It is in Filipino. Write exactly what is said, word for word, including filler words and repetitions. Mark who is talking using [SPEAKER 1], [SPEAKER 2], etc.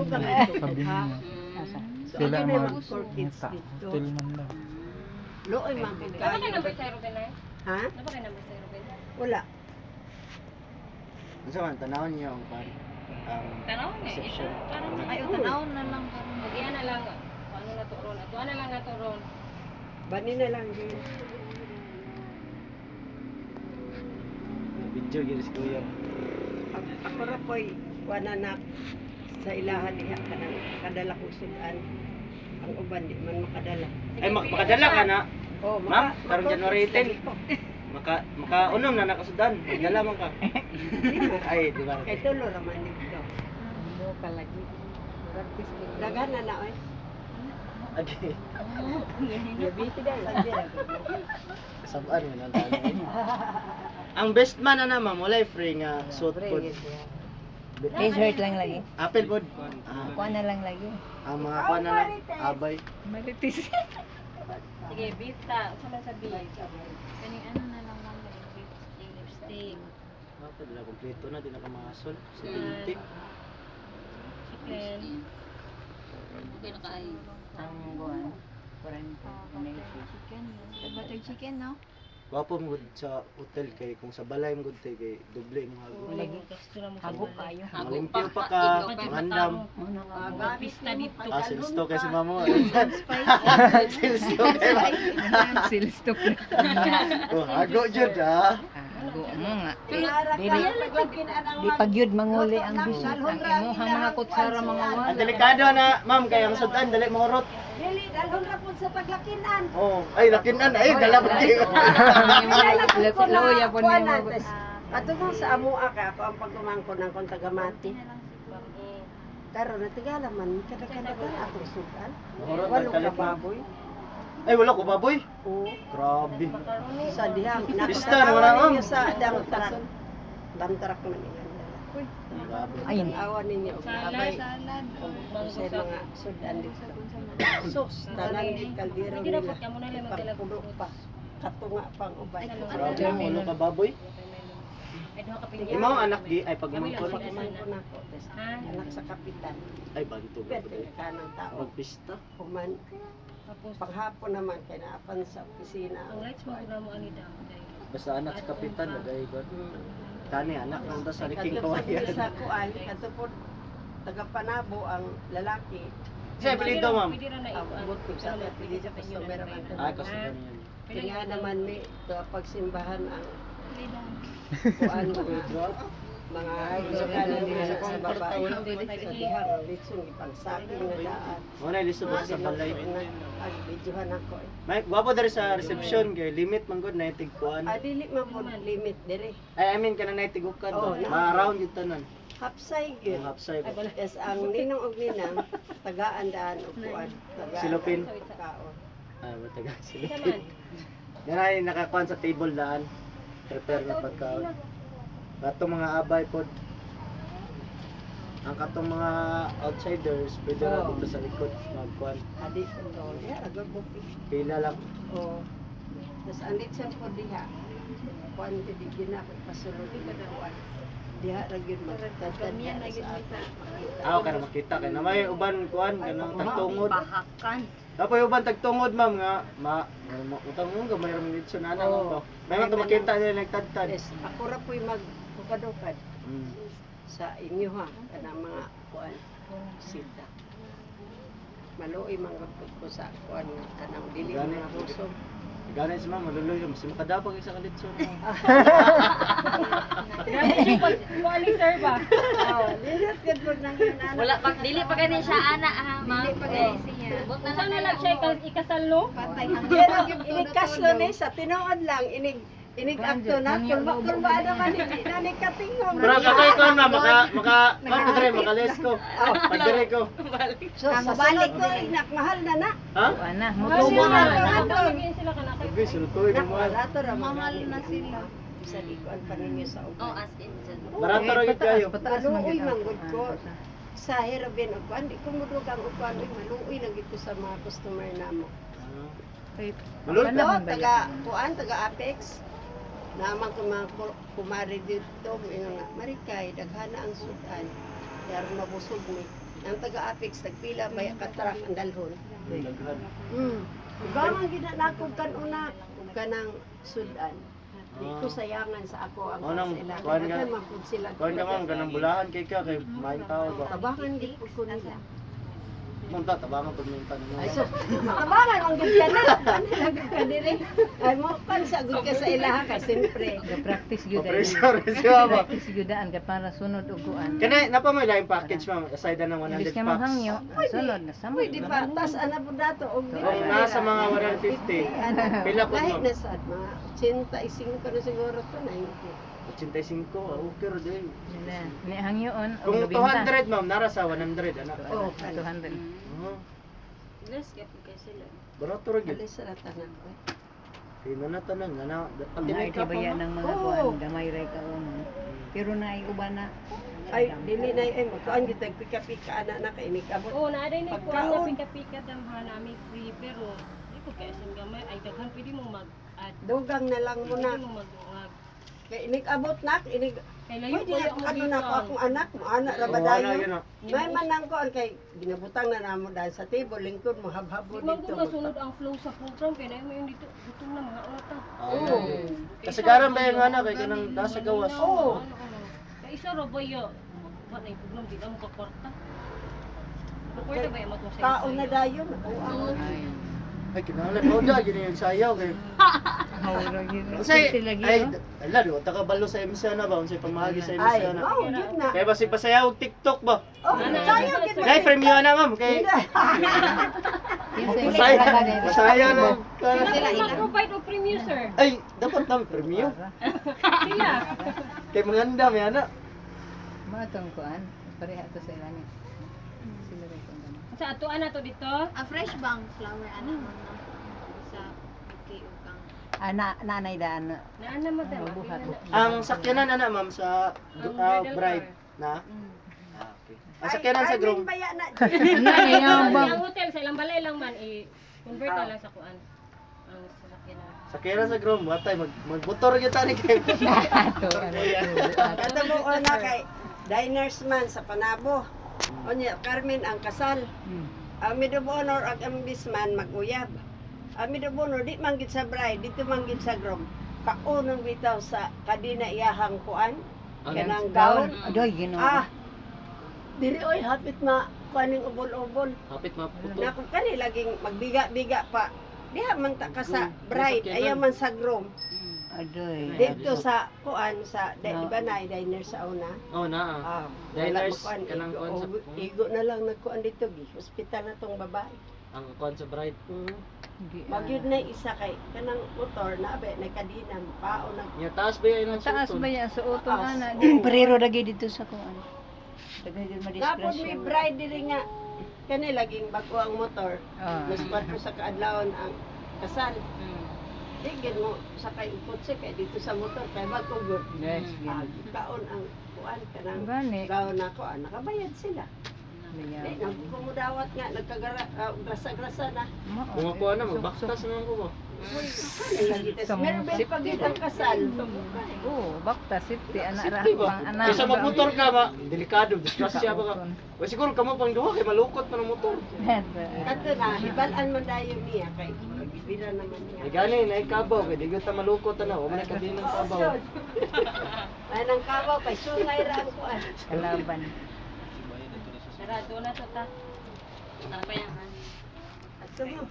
[SPEAKER 1] Sabi niya. Sila mag-ngita. Hotel man daw.
[SPEAKER 2] Looy man po
[SPEAKER 3] Dapat ka
[SPEAKER 2] kayo.
[SPEAKER 3] number sa Ruben na?
[SPEAKER 2] Ha?
[SPEAKER 3] Dapat ka number sa Ruben?
[SPEAKER 2] Wala.
[SPEAKER 4] Ano man, tanawin niyo ang pan. Ang
[SPEAKER 3] Tanaw na eh.
[SPEAKER 4] reception.
[SPEAKER 3] Parang
[SPEAKER 5] Ay, o tanawon na lang karon.
[SPEAKER 3] Lagyan na lang. Ano na to ron? Ato na lang na to ron.
[SPEAKER 2] Bani na lang din.
[SPEAKER 4] Video gini si Kuya.
[SPEAKER 2] Ako- Ako ra po'y wananak sa ilahan niya kanang kadala ko sudan. Ang uban di man makadala.
[SPEAKER 4] Ay, mak makadala ka na.
[SPEAKER 2] Oh,
[SPEAKER 4] Ma'am,
[SPEAKER 2] maka-
[SPEAKER 4] karong
[SPEAKER 2] maka-
[SPEAKER 4] January ten. Maka makaunom na nakasudan. Magdala man ka. Ay, di ba?
[SPEAKER 2] Kay tulo raman dito.
[SPEAKER 5] Mo ka lagi.
[SPEAKER 2] Daghan na na oy.
[SPEAKER 4] Okay.
[SPEAKER 5] Yabiti dai.
[SPEAKER 4] Sabaan mo lang tayo. Ang best man na naman, wala free nga suit pod.
[SPEAKER 5] T-shirt lang lagi.
[SPEAKER 4] Apple pod. Ah,
[SPEAKER 5] Kuha na lang lagi.
[SPEAKER 4] ang mga kuan na lang, abay.
[SPEAKER 5] Maritis.
[SPEAKER 3] Sige, beef ta. Sama sa beef.
[SPEAKER 5] Kaning ano na lang lang lipstick, lipstick.
[SPEAKER 4] Dapat na kompleto na din nakamasol. Sa tinti.
[SPEAKER 3] Chicken.
[SPEAKER 5] Okay na kay ang buwan. forty. Chicken. Butter chicken, no?
[SPEAKER 4] Wapo mo gud sa hotel kay kung sa balay mo gud tay kay doble mo hago.
[SPEAKER 3] Lagi gusto na mo sa
[SPEAKER 5] Hagok
[SPEAKER 3] balay.
[SPEAKER 5] kayo.
[SPEAKER 4] Malimpyo pa ka, mangandam.
[SPEAKER 3] Mga pista dito.
[SPEAKER 4] Ah, silsto kay si mamo.
[SPEAKER 5] Spice.
[SPEAKER 4] Silsto kay mamo.
[SPEAKER 5] Silstop.
[SPEAKER 4] Oh, hago jud ah.
[SPEAKER 5] Hago mo nga.
[SPEAKER 2] Dili
[SPEAKER 5] Di pagyud manguli ang bisal. Ang imo hamakot sa ra mga
[SPEAKER 4] Ang
[SPEAKER 5] wala.
[SPEAKER 4] delikado na, ma'am, kay ang sudan dali mahurot.
[SPEAKER 2] Dili dalhon ra pud sa paglakinan.
[SPEAKER 4] Oh, ay lakinan ay dala pa kayo.
[SPEAKER 5] Loya po ni mo.
[SPEAKER 2] Ato mo sa amua ka ako ang pagkumangko ng kong tagamati. Karon na tigala man kada-kada atong sudan.
[SPEAKER 4] Mahurot
[SPEAKER 2] Walo
[SPEAKER 4] ang
[SPEAKER 2] ka
[SPEAKER 4] kalit.
[SPEAKER 2] baboy.
[SPEAKER 4] Ay wala ko baboy.
[SPEAKER 2] Oo.
[SPEAKER 4] Grabe.
[SPEAKER 2] Sa dihang
[SPEAKER 4] Pista, wala, ma'am.
[SPEAKER 2] ninyo sa damtrak. Damtrak man ninyo.
[SPEAKER 4] Grabe.
[SPEAKER 5] Ayun.
[SPEAKER 2] Awan ninyo og abay.
[SPEAKER 3] Salad.
[SPEAKER 2] Sa mga sudan dito. Sus, tanan di kaldero
[SPEAKER 3] Hindi
[SPEAKER 2] nila.
[SPEAKER 3] na ka muna lang
[SPEAKER 2] Pagpulo pa. Katunga pang ubay.
[SPEAKER 4] Grabe, wala ka baboy.
[SPEAKER 3] Ay, duha ka pinya.
[SPEAKER 4] Imo ang anak gi ay pagmangkon.
[SPEAKER 2] Pagkumangko na ko.
[SPEAKER 3] Ha?
[SPEAKER 2] Anak sa kapitan.
[SPEAKER 4] Ay banto.
[SPEAKER 2] Pwede ka ng tao.
[SPEAKER 4] Magpista.
[SPEAKER 2] Kuman.
[SPEAKER 3] Tapos,
[SPEAKER 2] Paghapon naman kay naapan sa opisina.
[SPEAKER 3] ang lights mo na mo ani daw.
[SPEAKER 4] Basta anak sa kapitan lagay ba.
[SPEAKER 2] Hmm.
[SPEAKER 4] Tani anak nang ta sa liking
[SPEAKER 2] Kadto sa
[SPEAKER 4] kawayan.
[SPEAKER 2] sa kuan, kadto po taga Panabo ang lalaki.
[SPEAKER 4] Sa apelyido ma'am.
[SPEAKER 3] Pwede ra na
[SPEAKER 2] Ang
[SPEAKER 3] ikuan.
[SPEAKER 2] bukod sa pili sa customer man.
[SPEAKER 4] Ay customer niyan.
[SPEAKER 2] Kaya naman may to pagsimbahan ang kuan mga mga sukalan nila sa babae. Sa dihang litson ipagsapin na daan.
[SPEAKER 4] Mo na liso ba sa balay.
[SPEAKER 2] Ang videohan ako. eh.
[SPEAKER 4] May gwapo diri sa reception kay limit man gud na tigkuan.
[SPEAKER 2] Ah, dili man po limit dire.
[SPEAKER 4] Ay I mean kana na tigukan
[SPEAKER 2] Oo,
[SPEAKER 4] ba.
[SPEAKER 2] na-
[SPEAKER 4] Ma-around yun tanan.
[SPEAKER 2] Hapsay
[SPEAKER 4] Ang
[SPEAKER 2] gyud.
[SPEAKER 4] hapsay ba.
[SPEAKER 2] Yes, ang ninong og ninang tagaan daan og kuan. tagaan
[SPEAKER 4] Silupin.
[SPEAKER 2] og kaon.
[SPEAKER 4] Ah, mataga sila.
[SPEAKER 3] Naman.
[SPEAKER 4] Yan ay nakakuan sa table daan. Prepare na pagkaon. Katong mga abay pod. Ang katong mga outsiders pwede na
[SPEAKER 2] Oo.
[SPEAKER 4] dito sa likod magkuan.
[SPEAKER 2] Adi ko to. Ya, agad buki.
[SPEAKER 4] Pila lang.
[SPEAKER 2] Oh. Tapos ang litson po diha. Kuan di di gina ko pasulod di ko kuan. Diha ra gyud magtatan niya na gyud
[SPEAKER 4] Ako kana makita kay na may uban kuan kanang tagtungod.
[SPEAKER 5] Bahakan.
[SPEAKER 4] Tapos yung uban tagtungod ma'am nga ma ma- utang mo gamay ra man dito na
[SPEAKER 2] Oo.
[SPEAKER 4] mo ba. May man makita nila nagtadtad.
[SPEAKER 2] Yes, ako ra po'y mag kukadukad
[SPEAKER 4] Mm.
[SPEAKER 2] sa inyo ha kanang mga kuan sita. Maluoy man gud ko sa kuan nga kanang dili
[SPEAKER 4] Gani.
[SPEAKER 2] mga busog.
[SPEAKER 4] Gani si ma'am maluloy mas makadapag isa ka dito.
[SPEAKER 3] Grabe siya pag kuali sir ba?
[SPEAKER 2] Oh, lilit gud po nang anak.
[SPEAKER 6] Wala pa, dili pa gani siya ana ha, ma'am.
[SPEAKER 2] Dili pa
[SPEAKER 6] Eh,
[SPEAKER 2] gani
[SPEAKER 6] siya. Bot
[SPEAKER 3] Saan na lang siya ikas- ikasal no?
[SPEAKER 2] Pero inig kaslo ni sa tinuod lang inig inig akto na kulba kulba naman hindi na ni katingom.
[SPEAKER 4] Pero kakay ko na maka maka maka dire makalis ko. Pagdire ko.
[SPEAKER 2] So sa balik ko inak mahal na na.
[SPEAKER 4] Ha?
[SPEAKER 5] Ana, mo
[SPEAKER 3] Mahal
[SPEAKER 2] Tubo
[SPEAKER 3] sila.
[SPEAKER 2] na.
[SPEAKER 3] Nakapagin sila ka na kay.
[SPEAKER 4] Sige, sultoy mo.
[SPEAKER 2] Barato ra
[SPEAKER 5] Mahal na sila.
[SPEAKER 2] Sa likuan pa ninyo sa
[SPEAKER 6] Oh,
[SPEAKER 2] uban.
[SPEAKER 6] as in dyan.
[SPEAKER 4] Barato ra gid kayo.
[SPEAKER 5] Pataas
[SPEAKER 2] Maluoy
[SPEAKER 5] man
[SPEAKER 2] man gud ko. Sa hirabin og kuan di ko mudug ang uban oy maluoy na gid ko sa mga customer namo.
[SPEAKER 4] Maluloy
[SPEAKER 2] Ito,
[SPEAKER 5] Ano ba
[SPEAKER 2] taga kuan taga Apex. Naman ko mga ku- kumari dito, ingon nga, Marikay, daghana ang sudan. Kaya rin mabusog mi. ang taga-Apex tagpila bay ka truck ang dalhon.
[SPEAKER 4] Daghan.
[SPEAKER 2] Mm. Ba man ginanakog kan una ug kanang sudan. Di ko sayangan sa ako ang
[SPEAKER 4] Oh, nang-
[SPEAKER 2] sila.
[SPEAKER 4] kuwan nga-
[SPEAKER 2] Kaya man pud sila.
[SPEAKER 4] Kuan ka ma'am, ganang bulahan kay ka kay main tao ba.
[SPEAKER 2] Tabangan gid pud ko nila.
[SPEAKER 4] Munta tabangan pud minta nimo.
[SPEAKER 2] Ay so, tabangan ang gid ka na. Ano lang ka diri? Ay mo pan sa gud ka sa ilaha ka siyempre.
[SPEAKER 5] Ga-practice gyud ay.
[SPEAKER 4] Pressure siya ba.
[SPEAKER 5] Practice gyud an ka para sunod og kuan.
[SPEAKER 4] Kana napa may lain package ma'am, aside na ng one
[SPEAKER 5] Imbis
[SPEAKER 4] hundred
[SPEAKER 5] ka
[SPEAKER 4] packs.
[SPEAKER 5] maghangyo, sunod na sama.
[SPEAKER 2] Pwede pa tas ana pud dato og di
[SPEAKER 4] Kung nasa mga one hundred fifty, pila po
[SPEAKER 2] Lahi
[SPEAKER 4] ma'am?
[SPEAKER 2] na sad mga eighty-five ka na siguro to ninety.
[SPEAKER 4] eighty-five, ah, okay ra din.
[SPEAKER 5] Nila, ni hangyoon og
[SPEAKER 4] Kung
[SPEAKER 5] nabinta.
[SPEAKER 4] two hundred ma'am, nara sa one hundred ana.
[SPEAKER 2] Oh,
[SPEAKER 5] two hundred.
[SPEAKER 4] Oh,
[SPEAKER 6] Less kaya po kayo sila.
[SPEAKER 4] barato ra gyud.
[SPEAKER 2] Alis sa tanan ko.
[SPEAKER 4] Pino na tanan nga na. Pati
[SPEAKER 5] Ang
[SPEAKER 4] may
[SPEAKER 5] arte ba yan ng mga
[SPEAKER 2] Oo.
[SPEAKER 5] kuan, gamay ray ka uno. Pero na ay uban na.
[SPEAKER 2] Ay, dili na ay magkaan gid pika-pika ana na kay ni kabot.
[SPEAKER 3] Oo, naaday na ko
[SPEAKER 2] Pagkaon.
[SPEAKER 3] ang pika-pika tambahan namin free pero di ko kaya sing gamay ay daghan pwede mo mag-add.
[SPEAKER 2] Dugang na lang
[SPEAKER 3] Pwede
[SPEAKER 2] muna.
[SPEAKER 3] mo mag-ungag.
[SPEAKER 2] Kay inig abot nak, inig
[SPEAKER 3] Kay layo
[SPEAKER 2] pwede
[SPEAKER 3] ko
[SPEAKER 2] na
[SPEAKER 3] yung
[SPEAKER 2] ano na ko akong anak mo, anak ra
[SPEAKER 4] Oh,
[SPEAKER 2] ba
[SPEAKER 4] ana
[SPEAKER 2] dayo?
[SPEAKER 4] yun ah.
[SPEAKER 2] May man nang ko kay ginabutang na namo dahil sa table lingkod mo habhabo
[SPEAKER 3] Di man
[SPEAKER 2] dito.
[SPEAKER 3] ko masunod ang flow sa program kaya na yung dito gutom na mga unata.
[SPEAKER 2] Oo.
[SPEAKER 4] Kasi karon ba yung ana kay kanang nasa gawas.
[SPEAKER 2] Oo.
[SPEAKER 3] Kaya isa ra ba yo? Wa na yung program di na mo kakwarta. Kakwarta ba yung matong
[SPEAKER 2] Tao na dayon. Oo, ang
[SPEAKER 4] Ay kinahanglan ko da gini yung sayaw kay.
[SPEAKER 5] Hawra gyud.
[SPEAKER 4] Unsay
[SPEAKER 5] Sila gyud.
[SPEAKER 4] ay ala do ta kabalo sa M C na ba unsay pamahagi sa M C
[SPEAKER 2] ay,
[SPEAKER 4] na.
[SPEAKER 2] wow, yun na.
[SPEAKER 4] Kaya basi pasayaw og TikTok ba?
[SPEAKER 2] Oh, sayo gid
[SPEAKER 4] Kay premium na ma'am kay Masaya, masaya na.
[SPEAKER 3] Sila mag-provide og premium sir.
[SPEAKER 4] Ay, dapat na premium.
[SPEAKER 3] Sila.
[SPEAKER 4] Kay maganda may ana.
[SPEAKER 5] Matong kuan, pareha to sa ilan. Sila ray kung gani.
[SPEAKER 3] Sa atuan na to dito.
[SPEAKER 6] A fresh bang flower ana mo na. Sa piki o kang.
[SPEAKER 5] Ana nanay daan.
[SPEAKER 3] Naan na madam.
[SPEAKER 5] Mabuhat.
[SPEAKER 4] Ang sakyanan ana ma'am sa
[SPEAKER 3] Ang
[SPEAKER 4] ah,
[SPEAKER 3] bridal
[SPEAKER 4] bride
[SPEAKER 3] car.
[SPEAKER 4] na. Ah, okay. Ang sakyanan sa groom.
[SPEAKER 2] Baya na.
[SPEAKER 5] Nanay nga
[SPEAKER 3] Ang
[SPEAKER 5] bang.
[SPEAKER 3] hotel sa ilang balay lang man i-convert na lang sa kuan. Ang sasakyanan.
[SPEAKER 4] Sakyanan sa groom, watay mag magmotor gyud tani kay.
[SPEAKER 5] Ato ano.
[SPEAKER 2] Kada mo una kay diners man sa Panabo. Onya Carmen ang kasal. Ang maid of honor ag ang bisman mag-uyab. Ang maid of honor di man gid sa bride, dito man gid sa groom. Kaunong bitaw sa kadina iyahang kuan. Kanang gown.
[SPEAKER 5] Adoy ginoo.
[SPEAKER 2] Ah. Diri oy hapit ma kuaning ubol-ubol.
[SPEAKER 4] Hapit maputo.
[SPEAKER 2] Na kung kani laging magbiga-biga pa. Diha man ta ka sa bride, ayaw man sa groom.
[SPEAKER 5] Adoy.
[SPEAKER 2] Dito sa kuan sa di ba na diner sa una.
[SPEAKER 4] Oh na.
[SPEAKER 2] Ah,
[SPEAKER 4] Diners,
[SPEAKER 2] wala kuan,
[SPEAKER 4] kanang
[SPEAKER 2] igo,
[SPEAKER 4] kuan sa-
[SPEAKER 2] og- igo na lang nagkuan dito gi. Hospital na tong babae.
[SPEAKER 4] Ang kuan sa bride.
[SPEAKER 2] Mm.
[SPEAKER 5] Di, ah.
[SPEAKER 2] Magyud na isa kay kanang motor na abe na kadina pao na
[SPEAKER 4] Nya taas ba yan ang
[SPEAKER 5] Taas
[SPEAKER 4] sultan?
[SPEAKER 5] ba yan sa uto
[SPEAKER 2] Taas.
[SPEAKER 5] ana? Parero lagi dito sa kuan. Daghan gyud
[SPEAKER 2] Tapos
[SPEAKER 5] madisgrasya.
[SPEAKER 2] may bride diri nga kani laging bago ang motor.
[SPEAKER 5] Ah.
[SPEAKER 2] Mas ko sa kaadlawon ang kasal. Di gid mo sakay ang kotse kay dito sa motor kay magkugot.
[SPEAKER 5] Yes,
[SPEAKER 2] Ah,
[SPEAKER 5] gid.
[SPEAKER 2] kaon ang kuan kanang
[SPEAKER 5] Gani.
[SPEAKER 2] gaon nako ah, nakabayad sila. Di
[SPEAKER 5] Liya.
[SPEAKER 2] nagkumudawat nga nagkagara uh, grasa-grasa na.
[SPEAKER 4] Kung ako na magbaktas naman ko ba.
[SPEAKER 5] Sa-
[SPEAKER 2] Meron ba pag ang kasal?
[SPEAKER 5] Oo, bakta safety ana ra
[SPEAKER 4] Safety ba?
[SPEAKER 5] pang ana.
[SPEAKER 4] Kaysa magmotor ka ba, delikado, disgrasya ba ka. O siguro kamo pang duha kay malukot pa ng motor.
[SPEAKER 2] Kato na, hibalan man dayo niya kay magbibira naman niya.
[SPEAKER 4] Ay gani na ikabaw kay di gyud ta malukot ana, o man ka din ng kabaw.
[SPEAKER 2] Ay nang kabaw kay sungay ra ang kuan.
[SPEAKER 5] Kalaban.
[SPEAKER 3] Sarado na to ta.
[SPEAKER 6] Ano pa yan?
[SPEAKER 2] Ato mo.